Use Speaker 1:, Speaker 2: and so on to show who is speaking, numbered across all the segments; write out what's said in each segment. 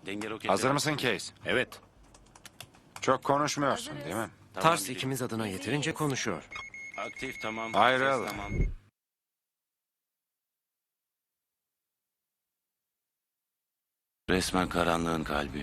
Speaker 1: Denge roketi.
Speaker 2: Hazır mısın Case?
Speaker 3: Evet.
Speaker 2: Çok konuşmuyorsun değil mi?
Speaker 1: Tamam,
Speaker 3: Tars
Speaker 1: gidelim.
Speaker 3: ikimiz adına yeterince konuşuyor.
Speaker 1: Aktif tamam.
Speaker 2: Ayrıl.
Speaker 1: Ses tamam. Resmen karanlığın kalbi.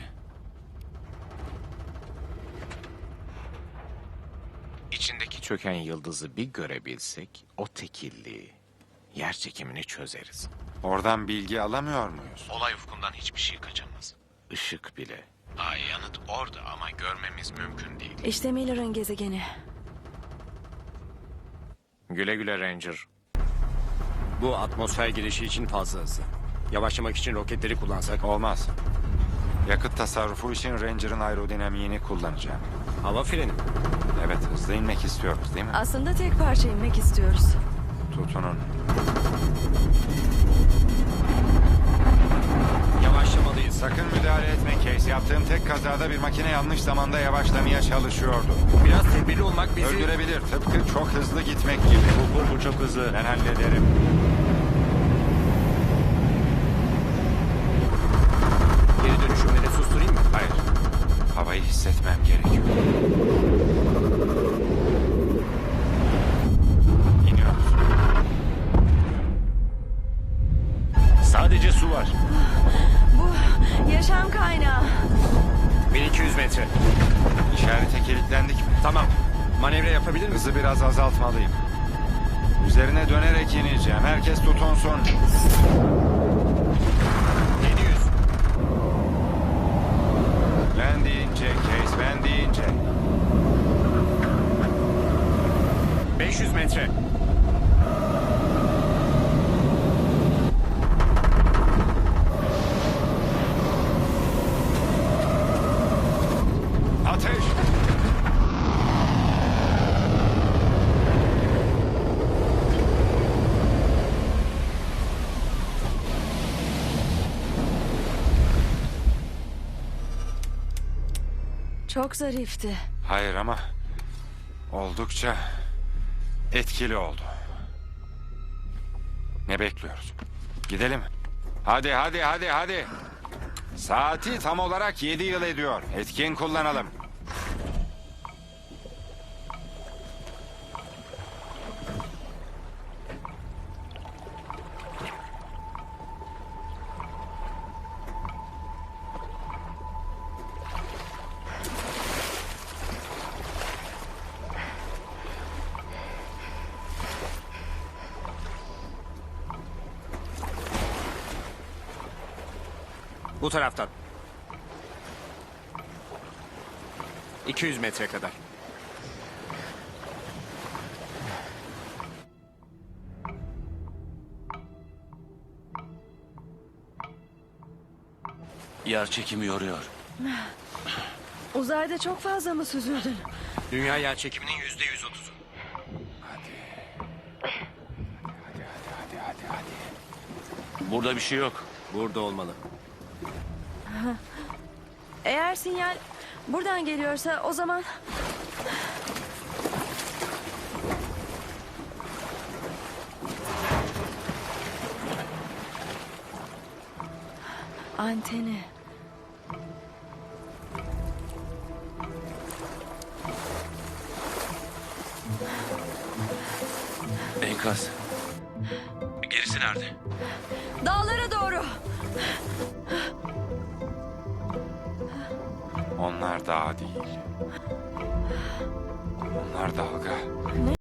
Speaker 3: İçindeki çöken yıldızı bir görebilsek o tekilliği, yer çekimini çözeriz.
Speaker 2: Oradan bilgi alamıyor muyuz?
Speaker 3: Olay ufkundan hiçbir şey kaçamaz. Işık bile. Ay yanıt orada ama görmemiz mümkün değil.
Speaker 4: İşte Miller'ın gezegeni.
Speaker 3: Güle güle Ranger. Bu atmosfer girişi için fazla hızlı. Yavaşlamak için roketleri kullansak.
Speaker 2: Olmaz. Yakıt tasarrufu için Ranger'ın aerodinamiğini kullanacağım.
Speaker 3: Hava freni.
Speaker 2: Evet, hızlı inmek istiyoruz değil mi?
Speaker 4: Aslında tek parça inmek istiyoruz.
Speaker 2: Tutunun.
Speaker 3: Yavaşlamalıyız.
Speaker 2: Sakın müdahale etme Case. Yaptığım tek kazada bir makine yanlış zamanda yavaşlamaya çalışıyordu.
Speaker 3: Biraz tedbirli olmak bizi...
Speaker 2: Öldürebilir. Tıpkı çok hızlı gitmek gibi.
Speaker 3: Bu çok hızlı.
Speaker 2: Ben hallederim.
Speaker 3: Geri dönüşümleri susturayım mı?
Speaker 2: Hayır. Havayı hissetmem gerekiyor. İniyoruz.
Speaker 3: Sadece su var.
Speaker 4: Bu yaşam kaynağı.
Speaker 3: 1200 metre.
Speaker 2: İşarete kilitlendik mi?
Speaker 3: Tamam. Manevra yapabilir misin?
Speaker 2: Hızı biraz azaltmalıyım. Üzerine dönerek ineceğim. Herkes tutunsun.
Speaker 3: 700.
Speaker 2: Ben deyince Case, ben deyince.
Speaker 3: 500 metre.
Speaker 2: Ateş!
Speaker 4: Çok zarifti.
Speaker 2: Hayır ama oldukça etkili oldu. Ne bekliyoruz? Gidelim. Hadi hadi hadi hadi. Saati tam olarak 7 yıl ediyor. Etkin kullanalım.
Speaker 3: Bu taraftan. 200 metre kadar.
Speaker 1: Yer çekimi yoruyor.
Speaker 4: Uzayda çok fazla mı süzüldün?
Speaker 3: Dünya yer çekiminin %130'u.
Speaker 1: Burada bir şey yok.
Speaker 3: Burada olmalı.
Speaker 4: Eğer sinyal buradan geliyorsa o zaman... Anteni.
Speaker 1: Enkaz. Gerisi nerede?
Speaker 4: Dağlara doğru.
Speaker 2: Onlar dağ değil. Onlar dalga.